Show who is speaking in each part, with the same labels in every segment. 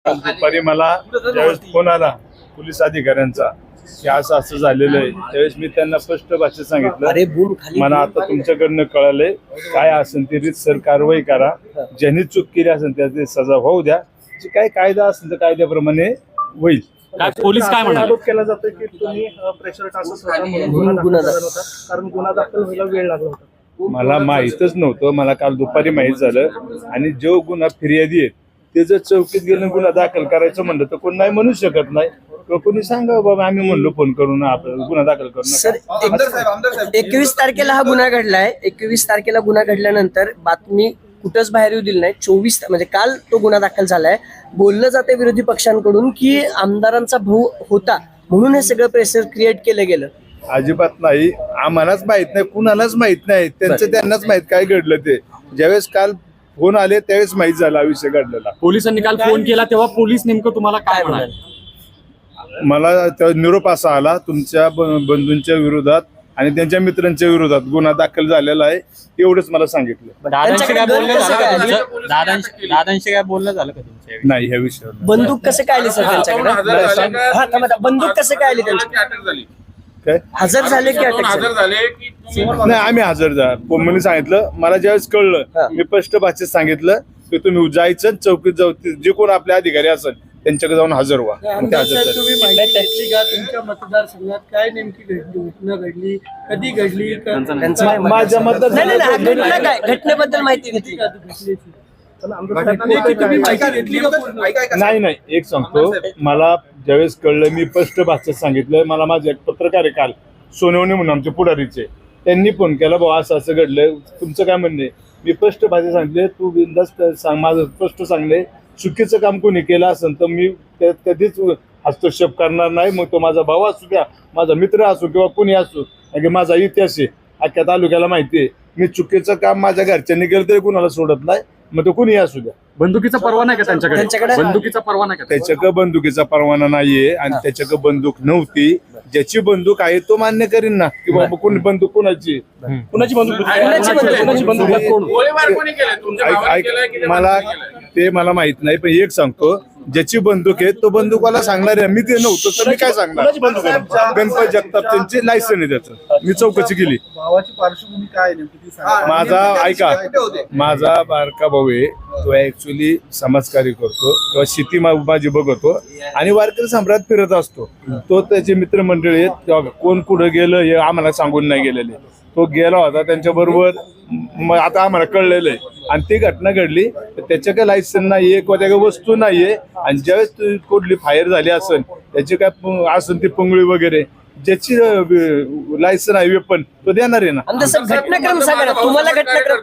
Speaker 1: दुपारी मला ज्यावेळेस फोन आला पोलीस अधिकाऱ्यांचा की असं असं झालेलं आहे, त्यावेळेस मी त्यांना स्पष्ट भाषेत सांगितलं, मला आता तुमच्याकडनं कळालंय, काय असेल ती रीतसर कारवाई करा, ज्यांनी चूक केली असेल त्याची सजा होऊ द्या, जी काय कायदा असेल तर कायद्याप्रमाणे होईल.
Speaker 2: पोलीस काय म्हणाले?
Speaker 3: आरोप केला जातोय की तुम्ही प्रेशर टाकत होता म्हणून गुन्हा दाखल होता, कारण गुन्हा दाखल व्हायला वेळ लागला होता.
Speaker 1: मला माहीतच नव्हतं, मला काल दुपारी माहीत झालं. आणि जो गुन्हा फिर्यादी आहे ते जर चौकीत गेलं गुन्हा दाखल करायचं म्हणलं तर कोण नाही म्हणू शकत नाही. कोणी सांगा बाबा आम्ही म्हणलो फोन करून आपल्याला गुन्हा दाखल करून.
Speaker 4: सर 21 तारखेला हा गुन्हा घडलाय. 21 तारखेला गुन्हा घडल्यानंतर बातमी कुठंच बाहेर येऊ दिली नाही. 24 म्हणजे काल तो गुन्हा दाखल झालाय. बोललं जाते विरोधी पक्षांकडून की आमदारांचा भाऊ होता म्हणून हे सगळं प्रेशर क्रिएट केलं गेलं.
Speaker 1: अजिबात नाही, आम्हालाच माहित नाही, कुणालाच माहित नाही, त्यांनाच माहित काय घडलं ते. ज्यावेळेस काल फोन आले त्यावेळेस माहित झाला विषय घडलेला.
Speaker 2: पोलिसांनी काल फोन केला तेव्हा पोलीस नेमकं तुम्हाला काय म्हणाले?
Speaker 1: मला निरोप असा आला, तुमच्या बंधूंच्या विरोधात आणि त्यांच्या मित्रांच्या विरोधात गुन्हा दाखल झालेला आहे, एवढंच मला सांगितलं.
Speaker 2: दादांशी काय बोलणं झालं का तुमच्या?
Speaker 1: नाही, ह्या विषयावर
Speaker 4: बंदूक कसं काय आली सर त्यांच्याकडे? बंदूक कसं काय आली त्यांच्याकडे?
Speaker 1: काय
Speaker 4: हजर झाले की अटक झाली?
Speaker 1: नाही, आम्ही हजर जा मी सांगितलं. मला ज्यावेळेस कळलं मी स्पष्ट भाषेत सांगितलं की तुम्ही जायचं चौकीत जाऊ, जे कोण आपले अधिकारी असेल त्यांच्याकडे जाऊन हजर व्हा.
Speaker 3: तुम्ही माहिती घेतली का तुमच्या मतदारसंघात काय नेमकी घटना घडली, कधी घडली?
Speaker 1: माझ्या
Speaker 4: घटनेबद्दल माहिती घेतली का?
Speaker 1: नाही नाही, एक सांगतो, मला ज्यावेळेस कळलं मी स्पष्ट भाषेत सांगितलं. मला माझे एक पत्रकार आहे काल सोनवणे म्हणून आमचे पुढारीचे, त्यांनी फोन केला, भाऊ असं असं घडलंय, तुमचं काय म्हणणे? मी स्पष्ट भाषेत सांगितले, तू बिनधास्त सांग, माझं स्पष्ट सांगले, चुकीचं काम कोणी केलं असेल तर मी त्यात कधीच हस्तक्षेप करणार नाही. मग तो माझा भाऊ असू द्या, माझा मित्र असो किंवा कोणी असो, कारण माझा इतिहास आहे, अख्ख्या तालुक्याला माहिती आहे. मी चुकीचं काम माझ्या घरच्यांनी केलं तरी कुणाला सोडत नाही, मग तो कुणी असू द्या.
Speaker 2: बंदुकीचा परवाना आहे का त्यांच्याकडे? बंदुकीचा परवाना का?
Speaker 1: त्याच्याकडे बंदुकीचा परवाना नाहीये आणि त्याच्याकडे बंदूक नव्हती. ज्याची बंदूक आहे तो मान्य करीन ना की बाबा कोणी बंदूक कोणाची मला माहित नाही, पण एक सांगतो, ज्याची बंदूक आहे तो बंदूकवाला सांगणार आहे. मी ते नव्हतं तर मी काय सांगणार? गणपत जगताप त्यांची लायसन आहे, त्याचं मी चौकशी केली.
Speaker 3: भावाची पार्श्वभूमी काय नेमकी?
Speaker 1: माझा ऐका, माझा बारका भाऊ आहे, तो ऍक्च्युली समाजकार्य करतो किंवा शेती माझी बघतो आणि वारकरी सम्राट फिरत असतो. तो त्याचे मित्रमंडळी आहेत, कोण कुठं गेलं हे आम्हाला सांगून नाही गेलेले. तो गेला होता त्यांच्या बरोबर, आता आम्हाला कळलेलं आहे. आणि ती घटना घडली, त्याच्या काय लायसन नाहीये किंवा त्या वस्तू नाहीये. आणि ज्यावेळेस कुठली फायर झाली असेल, त्याची काय असेल ती पंगळी वगैरे, ज्याची लायसन आहे वेपन तो देणार आहे ना.
Speaker 4: घटनाक्रम सांगा तुम्हाला.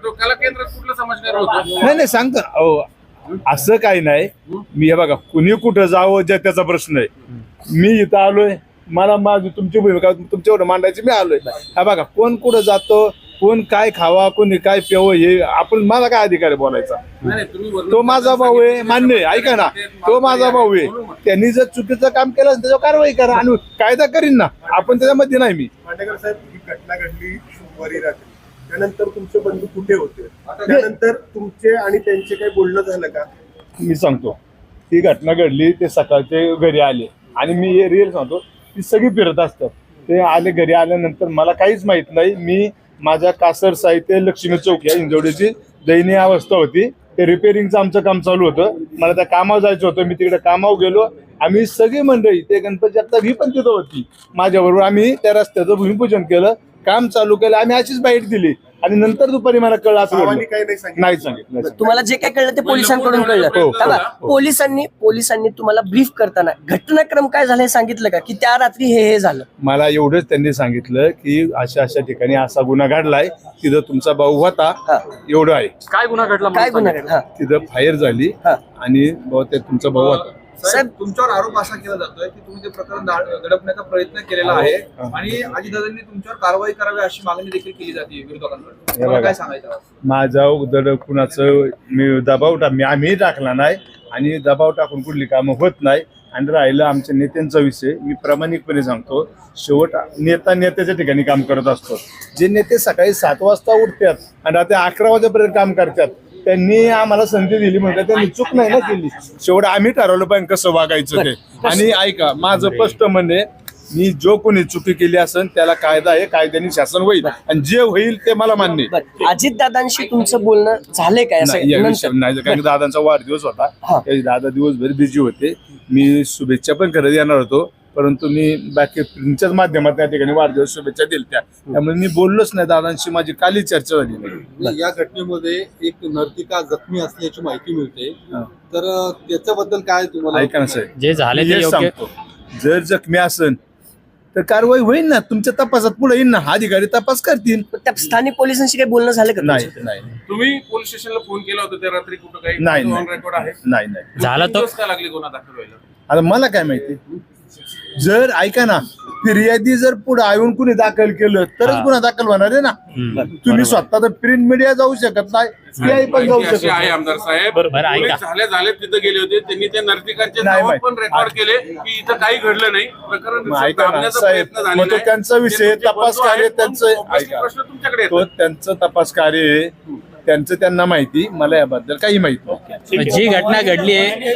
Speaker 1: नाही नाही, सांगतो ना, असं काही नाही. मी हे बघा, कुणी कुठं जावं ज्या त्याचा प्रश्न आहे. मी इथं आलोय, मला माझी तुमची भूमिका तुमच्यावर मांडायची, मी आलोय. हा बघा, कोण कुठं जातो, कोण काय खावा, कोणी काय प्यावं, हे आपण, मला काय अधिकार आहे बोलायचा? तो माझा भाऊ आहे, मान्य आहे, ऐका ना, तो माझा भाऊ आहे. त्यांनी जर चुकीचं काम केलं त्याच्यावर कारवाई करा आणि कायदा करीन ना, आपण त्याच्यामध्ये नाही. मी
Speaker 5: मांडेकर साहेब, ही घटना घडली सोमवारी रात्री, त्यानंतर तुमचे बंधू कुठे होते? त्यानंतर तुमचे आणि त्यांचे काही बोलणं झालं का?
Speaker 1: मी सांगतो, ती घटना घडली, ते सकाळचे घरी आले आणि मी हे रिअल सांगतो, ती सगळी फिरत असतात. ते आले, घरी आल्यानंतर मला काहीच माहित नाही. मी माझ्या कासर साहित्य लक्ष्मी चौक या इंजवडीची दयनीय अवस्था होती, ते रिपेअरिंगचं आमचं काम चालू होतं. मला त्या कामावर जायचं होतं, मी तिकडे कामावर गेलो. आम्ही सगळी मंडळी, ते गणपती जगताप ही पण तिथं होती माझ्याबरोबर. आम्ही त्या रस्त्याचं भूमिपूजन केलं, काम चालू केलं, आम्ही अशीच बाईट दिली. आणि नंतर दुपारी मला कळलं असं नाही सांगितलं.
Speaker 4: तुम्हाला जे काय कळलं ते पोलिसांकडून कळलं. पोलिसांनी तुम्हाला ब्रीफ करताना घटनाक्रम काय झालं हे सांगितलं का, की त्या रात्री हे झालं?
Speaker 1: मला एवढंच त्यांनी सांगितलं की अशा अशा ठिकाणी असा गुन्हा घडलाय, तिथं तुमचा भाऊ होता, एवढं आहे.
Speaker 2: काय गुन्हा घडला?
Speaker 4: काय गुन्हा घडला?
Speaker 1: तिथं फायर झाली आणि तुमचा भाऊ होता.
Speaker 6: साहेब, तुमच्यावर आरोप असा केला जातोय की तुम्ही ते प्रकरण दडपण्याचा प्रयत्न केलेला आहे आणि अजितदादांनी तुमच्यावर कारवाई करावी अशी मागणी देखील केली जाते विरोधकांकडून. काय सांगायचं?
Speaker 1: माझा दड कुणाचं मी दबाव आम्ही टाकला नाही आणि दबाव टाकून कुठली कामं होत नाही. आणि राहिलं आमच्या नेत्यांचा विषय, मी प्रामाणिकपणे सांगतो, शेवट नेत्याच्या ठिकाणी काम करत असतो. जे नेते सकाळी 7 वाजता उठतात आणि रात्री 11 वाजेपर्यंत काम करतात, त्यांनी आम्हाला संधी दिली म्हणजे त्यांनी चूक नाही ना केली. शेवट आम्ही ठरवलं पाहिजे कसं वागायचं ते. आणि ऐका, माझं स्पष्ट म्हणणे, मी जो कोणी चुकी केली असेल त्याला कायदा आहे, कायद्याने शासन होईल आणि जे होईल ते मला मान्य आहे.
Speaker 4: बरं, अजितदादांशी तुमचं बोलणं झालंय काय
Speaker 1: नाही, या
Speaker 4: असं
Speaker 1: विषयी नाही, कारण की दादांचा वाढदिवस होता.
Speaker 4: हा.
Speaker 1: त्यावेळी दादा दिवसभर बिझी होते. मी शुभेच्छा पण करत येणार होतो, परंतु मी बाकी तुमच्याच माध्यमात त्या ठिकाणी वाढदिवस शुभेच्छा दिल्या, त्यामुळे मी बोललोच नाही दादांशी. माझी काली चर्चा झाली नाही.
Speaker 7: या घटनेमध्ये एक नर्तिका जखमी असल्याची माहिती मिळते,
Speaker 1: हा.
Speaker 7: तर त्याच्याबद्दल काय तुम्हाला
Speaker 1: ऐका ना साहेब,
Speaker 2: जे झाले
Speaker 1: मी
Speaker 2: ते
Speaker 1: हेच
Speaker 2: योग्य
Speaker 1: सांगतो, जर जखमी असेल तर कारवाई होईल ना, तुमच्या तपासात पुढे येईल ना, अधिकारी तपास करतील.
Speaker 4: त्या स्थानिक पोलिसांशी काही बोलणं झालं का
Speaker 1: नाही
Speaker 4: तुमचं?
Speaker 1: नाही
Speaker 6: तुम्ही पोलीस स्टेशनला फोन केला होता त्या रात्री कुठं काही
Speaker 1: नाही,
Speaker 6: ऑन
Speaker 1: नाही.
Speaker 6: रेकॉर्ड आहे?
Speaker 1: नाही नाही.
Speaker 2: झालं तर
Speaker 6: दिवस का लागले गुन्हा दाखल व्हायला?
Speaker 1: आता मला काय माहिती, जर ऐका ना, फिर्यादी जर पुढे येऊन कुणी दाखल केलं तरच
Speaker 2: हा.
Speaker 1: गुन्हा दाखल होणार आहे ना. तुम्ही स्वतः तर प्रिंट मीडिया जाऊ शकत नाही, PI पण जाऊ
Speaker 6: माहिती
Speaker 1: शकत
Speaker 6: अशी आहे
Speaker 1: नाही.
Speaker 6: आमदार साहेब,
Speaker 2: बरं, ऐका.
Speaker 6: पोलीस झाले तिथे गेले होते, त्यांनी त्या नर्तिकांचे
Speaker 1: नाही
Speaker 6: नाव
Speaker 1: माहिती.
Speaker 6: पण रेकॉर्ड केले की इथं काही घडलं नाही, प्रकरण
Speaker 1: मग ऐका ना
Speaker 6: थांबण्याचा
Speaker 1: साहेब,
Speaker 6: प्रयत्न
Speaker 1: मग
Speaker 6: झालेला
Speaker 1: तो
Speaker 6: आहे.
Speaker 1: त्यांचा विषय,
Speaker 6: ते तुमचे
Speaker 1: तपास
Speaker 6: बंधू
Speaker 1: कार्य
Speaker 6: आहेत,
Speaker 1: त्यांचं
Speaker 6: obviously
Speaker 1: ऐका.
Speaker 6: प्रश्न तुमच्याकडे
Speaker 1: तो
Speaker 6: येतात.
Speaker 1: त्यांचं तपास कार्य आहे, त्यांचं त्यांना माहिती, मला याबद्दल काही माहित नाही.
Speaker 2: जी घटना घडली आहे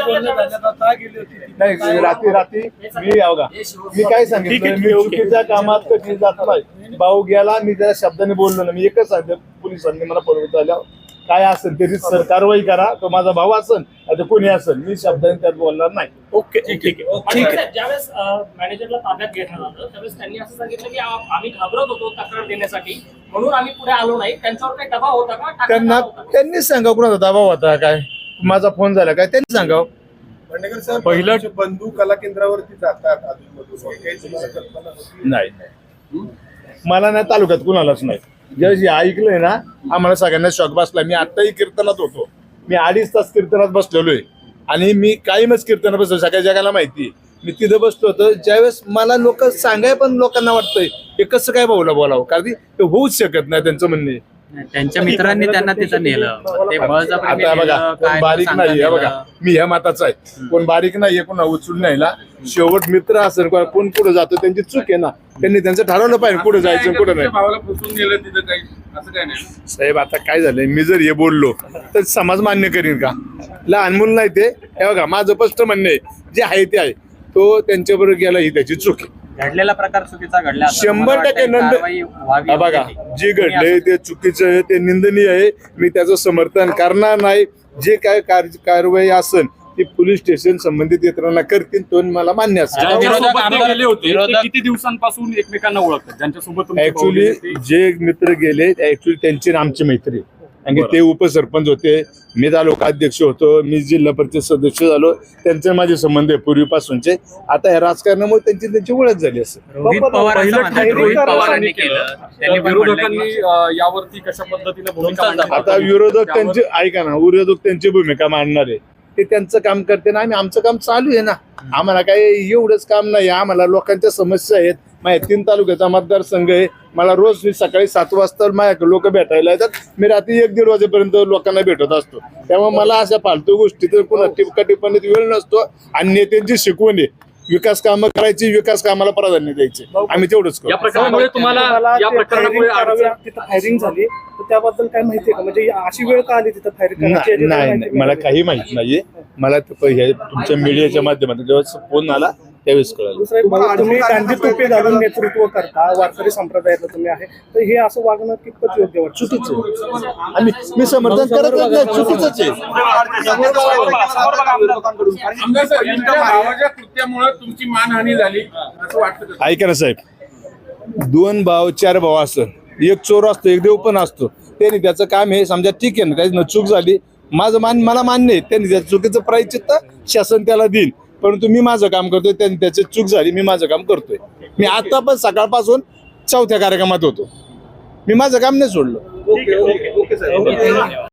Speaker 1: नाही, रात्री मी बघा, मी काय सांगितलं, मी चुकीच्या कामात कधी जात नाही. भाऊ गेला, मी त्या शब्दाने बोललो ना, मी एकच सांगतो, पोलिसांनी मला परवत आल्यावर काय असेल तरी सर कारवाई करा, तो माझा भाऊ असेल आता कोणी असेल, मी शब्दाने त्यात बोलणार नाही.
Speaker 2: ओके, ठीक आहे.
Speaker 8: ठीक आहे. ज्यावेळेस मॅनेजरला ताब्यात घेण्यात आलं त्यावेळेस त्यांनी असं सांगितलं की आम्ही घाबरत होतो तक्रार देण्यासाठी म्हणून आम्ही पुढे आलो नाही. त्यांच्यावर काही दबाव होता का? टाकण्यात
Speaker 1: त्यांना
Speaker 8: आला होता का?
Speaker 1: त्यांनीच सांगा कुणाचा दबाव होता काय, माझा फोन झाला काय, त्यांनी सांगावं.
Speaker 5: भांडेकर साहेब,
Speaker 2: पहिलं-
Speaker 5: तुमचे बंधू कला केंद्रावरती जातात अधूनमधून, हे काही तुम्हाला कल्पना होती?
Speaker 1: नाही नाही, मला नाही, तालुक्यात कुणालाच नाही. ज्यावेळेस हे ऐकलंय ना, आम्हाला सगळ्यांना शॉक बसला. मी आत्ताही कीर्तनात होतो, मी 2.5 तास कीर्तनात बसलेलोय आणि मी कायमच कीर्तनात बसलो, सगळ्या जगाला माहिती. मी तिथं बसलो होतो, ज्यावेळेस मला लोक सांगाय पण लोकांना वाटतंय हे कसं काय भाऊला बोलावं, कारण की ते होऊच शकत नाही त्यांचं म्हणणे.
Speaker 2: त्यांच्या मित्रांनी त्यांना तिथं नेलं, ते बळजबरीने
Speaker 1: आता बघा,
Speaker 2: नेलं,
Speaker 1: कोण
Speaker 2: काय
Speaker 1: बारीक
Speaker 2: सांगता
Speaker 1: नाहीये
Speaker 2: नेलं.
Speaker 1: बघा, मी ह्या मताचा आहे, कोण बारीक नाहीये, कोण उचलून न्यायला. शेवट मित्र असेल कोण पुढे जातो त्यांची चूक आहे ना, त्यांनी त्यांचं ठरवलं पाहिजे कुठे जायचं कुठे नाही.
Speaker 6: तुमच्या भावाला फसवून गेलं तिथं काही असं काय नाही.
Speaker 1: साहेब आता काय झालंय, मी जर हे बोललो तर समाज मान्य करीन का? लहान मुलं नाही ते. हे बघा, माझं स्पष्ट म्हणणं आहे, जे आहे ते आहे, तो त्यांच्याबरोबर गेला ही त्याची चूक आहे.
Speaker 2: घडलेला प्रकार चुकीचा घडला असं
Speaker 1: 100%
Speaker 2: मला वाटतंय,
Speaker 1: नंद-
Speaker 2: कारवाई व्हावी
Speaker 1: हा बघा,
Speaker 2: होती.
Speaker 1: जे घडलंय ते चुकीचं आहे, ते निंदनीय आहे. मी त्याचं समर्थन करणार नाही. जे काय कारवाई असेल ती पोलीस स्टेशन संबंधित यंत्रणा करतील, तो मला मान्य असेल.
Speaker 2: ज्या विरोधक
Speaker 9: ज्यांच्यासोबत ते
Speaker 2: आमदार-
Speaker 9: गेले होते ते
Speaker 2: विरोधक-
Speaker 9: किती दिवसांपासून एकमेकांना ओळखतात, ज्यांच्यासोबत तुमची
Speaker 1: ऍक्च्युली
Speaker 9: भावली होती?
Speaker 1: जे मित्र गेले ऍक्च्युली त्यांची आणि आमची मैत्री आहे. कारण की ते उपसरपंच होते, मी तालुका अध्यक्ष होतो, मी जिल्हा परिषद सदस्य झालो, त्यांचे माझे संबंध आहे पूर्वीपासूनचे. आता या राजकारणामुळे त्यांची ओळख झाली असेल.
Speaker 2: रोहित पवार असं
Speaker 9: पहिलं
Speaker 2: म्हणतात,
Speaker 9: ठिकाणी
Speaker 2: रोहित
Speaker 9: रोहित
Speaker 2: पवारांनी
Speaker 9: पवारांनी
Speaker 2: केलं.
Speaker 9: तर
Speaker 2: त्यांनी पण म्हटलं
Speaker 9: विरोधकांनी
Speaker 2: की
Speaker 9: यावरती कशा पद्धतीने भूमिका
Speaker 2: तुमचाच
Speaker 9: मांडली?
Speaker 1: आता विरोधक त्यांची, ऐका ना, विरोधक त्यांची भूमिका मांडणार आहे, ते त्यांचं काम करते ना, आम्ही आमचं काम चालू आहे ना. आम्हाला काही एवढंच काम नाही, आम्हाला लोकांच्या समस्या आहेत. माझ्या 3 तालुक्याचा मतदारसंघ आहे, मला रोज मी सकाळी 7 वाजता माझ्याकडे लोक भेटायला येतात, मी रात्री 1-1:30 वाजेपर्यंत लोकांना भेटत असतो. त्यामुळे मला अशा फालतू गोष्टी तर पुन्हा टिपका टिप्पणीत वेळ नसतो. आणि नेत्यांची शिकवण आहे, विकास कामं करायची, विकास कामाला प्राधान्य द्यायचे, आम्ही तेवढंच
Speaker 9: या
Speaker 1: करू.
Speaker 9: प्रकरणामुळे तुम्हाला या प्रकरणामुळे अडचण-
Speaker 3: तिथं फायरिंग झाली तर त्याबद्दल काय माहितीये का? म्हणजे अशी वेळ का आली तिथं फायरिंग करायची?
Speaker 1: नाही नाही, मला काही माहित नाहीये. मला तुमच्या मीडियाच्या माध्यमातून जेव्हा फोन आला त्यावेळेस कळालं.
Speaker 3: दुसरं, तुम्ही गांधी टोपी घालून नेतृत्व करता, वारकरी संप्रदायातलं तुम्ही आहे, तर हे असं वागणं कितपत योग्य वाटतं?
Speaker 1: चुकीचं आहे. आणि मी समर्थन करत नाही, चुकीचंच आहे.
Speaker 6: आमदार साहेब, तुमच्या भावाच्या कृत्यामुळे तुमची मानहानी झाली असं वाटतं का?
Speaker 1: ऐका ना साहेब, 2 भाव 4 भाव असतं, एक चोर असतो, एक देव पण असतो. त्यांनी त्याचं काम आहे, समजा ठीक आहे ना, त्याची चूक झाली, मला मान्य आहे, त्यांनी त्या चुकीचं प्रायश्चित्त शासन त्याला देईल. परंतु मी माझं काम करतोय, त्यांनी त्याची चूक झाली, मी माझं काम करतोय. मी आता पण सकाळपासून 4थ्या कार्यक्रमात होतो, मी माझं काम नाही सोडलं.
Speaker 5: ओके साहेब.